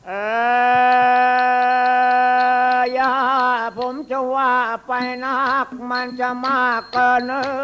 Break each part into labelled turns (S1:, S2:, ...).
S1: อย่าผมจะว่าไปนักมันจะมากเกิน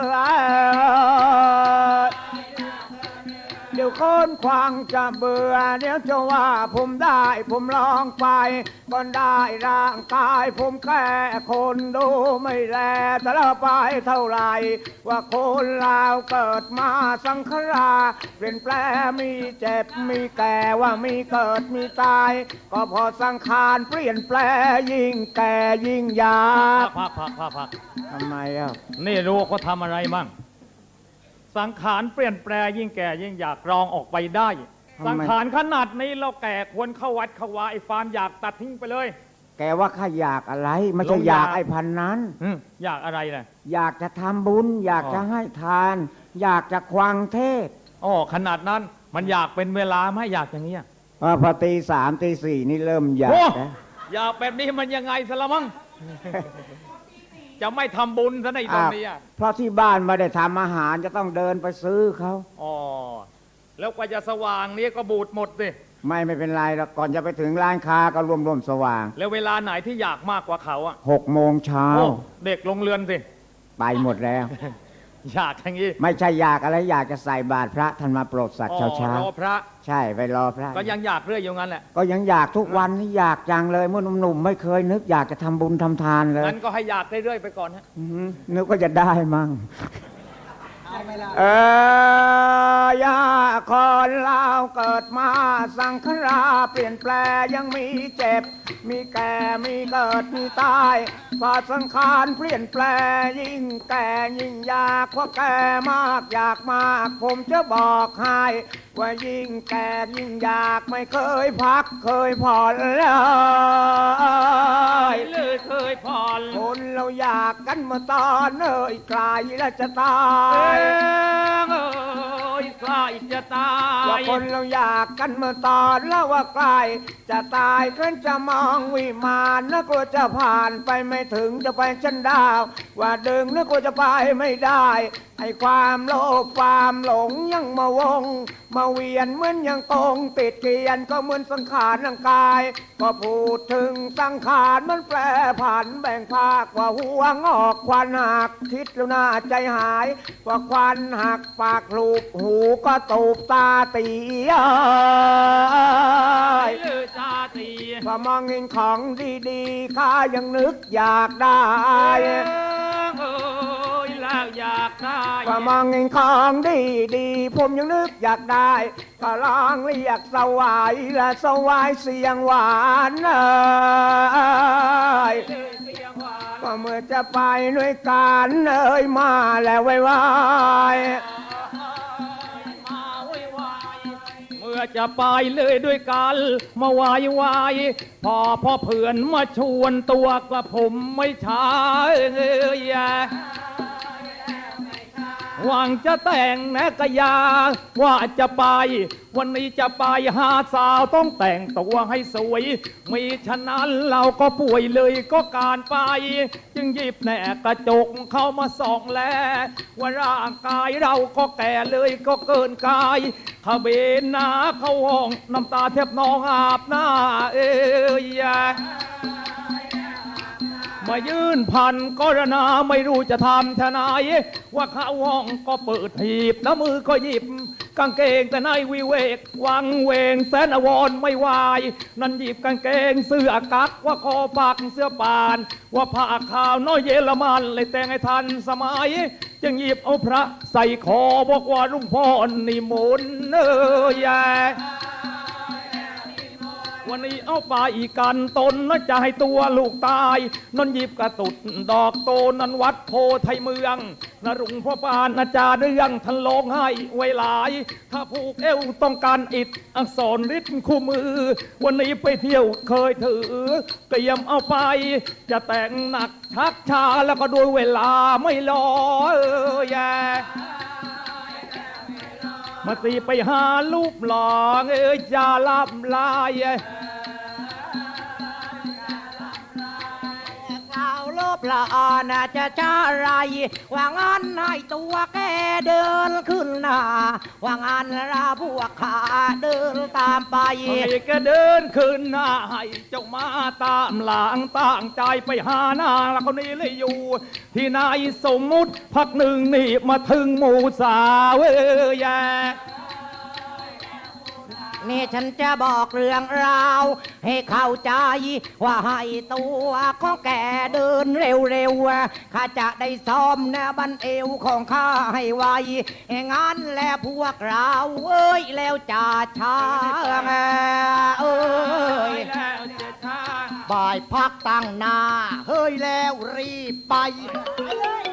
S1: เดี๋ยวคนควางจะเบื่อเดี๋ยวจะว่าผมได้ผมลองไปก็ได้ร่างกายผมแค่คนดูไม่แลแต่ละไปเท่าไรว่าคนเราเกิดมาสังขารเปลี่ยนแปลงมีเจ็บมีแก่ว่ามีเกิดมีตายก็พอสังขารเปลี่ยนแปลงยิ่งแก่ยิ่งยาก
S2: พัก
S1: ทำไมอ่ะ
S2: นี่รู้เขาทำอะไรมั่งสังขารเปลี่ยนแปลงยิ่งแก่ยิ่งอยากรองออกไปได้สังขารขนาดนี้เราแก่ควรเข้าวัดเข้าวาไอ้ฟาร์มอยากตัดทิ้งไปเลย
S1: แกว่าข้าอยากอะไรไม่ใช่อยากไอ้พันนั้น
S2: อยากอะไรล่ะ
S1: อยากจะทำบุญอยากจะให้ทานอยากจะควังเทศ
S2: ขนาดนั้นมันอยากเป็นเวลาไหมอยากอย่างนี้
S1: พอตีสามตีสี่นี่เริ่มอยากนะ
S2: อยากแบบนี้มันยังไงสละมั้งจะไม่ทำบุญซะในตรงนี้
S1: เพราะที่บ้านไม่ได้ทำอาหารจะต้องเดินไปซื้อเขา
S2: แล้วกว่าจะสว่างนี้ก็บูดหมดสิ
S1: ไม่เป็นไรแล้วก่อนจะไปถึงร้านค้าก็รวมสว่าง
S2: แล้วเวลาไหนที่อยากมากกว่าเขา
S1: 6 โมงเช้า
S2: เด็กลงเรือนสิ
S1: ไปหมดแล้ว
S2: อยากอย่างนี้
S1: ไม่ใช่อยากอะไรอยากจะใส่บาตรพระท่านมาโปรดสัตว์เช้าร
S2: อพระ
S1: ใช่ไปรอพระ
S2: ก็ยังอยากเรื่อยอยู่งั้นแหละ
S1: ก็ยังอยากทุกวันนี่อยากจังเลยเมื่อหนุ่มๆไม่เคยนึกอยากจะทำบุญทำทานเลย
S2: งั้นก็ให้อยากเรื่อยๆไปก่อนฮะ
S1: นึกว่าจะได้มั่งยาคนเราเกิดมาสังขารเปลี่ยนแปลงยังมีเจ็บมีแก่มีเกิดมีตายพอสังขารเปลี่ยนแปลงยิ่งแก่ยิ่งอยากเพราะแก่มากอยากมากผมจะบอกให้ว่ายิ่งแก่ยิ่งอยากไม่เคยพักเคยผ่อนเลย
S2: เคยผ่อน
S1: คนเราอยากกันมาตอนไกลแล้วจะตาย
S2: ใกล้จะตาย
S1: ว่าคนเราอยากกันมาตอนแล้วว่าใกล้จะตายก็จะมองวิมานนึกว่าจะผ่านไปไม่ถึงจะไปชั้นดาวว่าดึงนึกว่าจะไปไม่ได้ไอ้ความโลภความหลงยังมาวงมาเวียนเหมือนยังตรงติดเกียนก็เหมือนสังขารร่างกายก็พูดถึงสังขารมันแปรผันแบ่งภาคว่าหัวงอกควันหักคิดแล้วน่าใจหายว่าควันหักปากลูบหูก็ตูบตาตีพอมองเห็นของดีๆข้ายังนึกอยากได้
S2: อยากได้
S1: พอมองเห็นของดีๆผมยังนึกอยากได้ก็ลองเรียกสวายและสวายเสียงหวานก็เมื่อจะไปด้วยกันมาแล้วไว้
S2: เมื่อจะไปเลยด้วยกันมาวายวายพอเพื่อนมาชวนตัวกระผมไม่ช้าหวังจะแต่งแนกยาว่าจะไปวันนี้จะไปหาสาวต้องแต่งตัวให้สวยมีฉะนั้นเราก็ป่วยเลยก็การไปจึงหยิบแหนกระจกเข้ามาส่องแลว่าร่างกายเราก็แก่เลยก็เกินกายขเบนหน้าเข้าห้องน้ำตาแทบนองอาบหน้ามายื่นพันกรณาไม่รู้จะทำทนายว่าเข้าห้องก็เปิดหีบแล้วมือก็หยิบกางเกงแต่ในวิเวกวังเวงแสนอวรไม่วายนั่นหยิบกางเกงเสื้อกั๊กว่าคอปักเสื้อปานว่าผ้าขาวน้อยเยอรมันเลยแต่งให้ทันสมัยจึงหยิบเอาพระใส่คอบอกว่าลุงพ่อนิมนต์วันนี้เอาไปอีกกันตนน่าจะให้ตัวลูกตายนนหยิบกระตุดดอกโตนันวัดโพไทยเมืองนรุ่งพ่อปานอาจารย์เรื่องท่านลงให้ไว้หลายถ้าผูกเอวต้องการอิฐอักษรฤทธิ์คู่มือวันนี้ไปเที่ยวเคยถือเตรียมเอาไปจะแต่งหนักชักช้าแล้วก็ด้วยเวลาไม่รอมาตีไปหาลูกหลองจะลับลาย
S1: ข่าวลบ
S3: ปลาน่าจะช้าไรว่างั้นให้ตัวแกเดินขึ้นหน้าว่างั้นราพวกขาเดินตามไป
S2: ให้แกเดินขึ้นหน้าให้เจ้ามาตามหลังตั้งใจไปหานางแล้วคนนี้เลยอยู่ ที่นายสมมุติพักหนึ่งนี่มาถึงหมู่สาวแย่
S3: นี่ฉันจะบอกเรื่องราวให้เข้าใจว่าให้ตัวของแกเดินเร็วๆข้าจะได้ซ้อมแนบันเอวของข้าให้ไวงั้นแล้วพวกเราเอ้ยแล้วจ่าช้างเอ้ย
S2: แล้วเจ้าชา
S3: บ่ายพักตั้งหน้าเฮ้ยแล้วรีบไป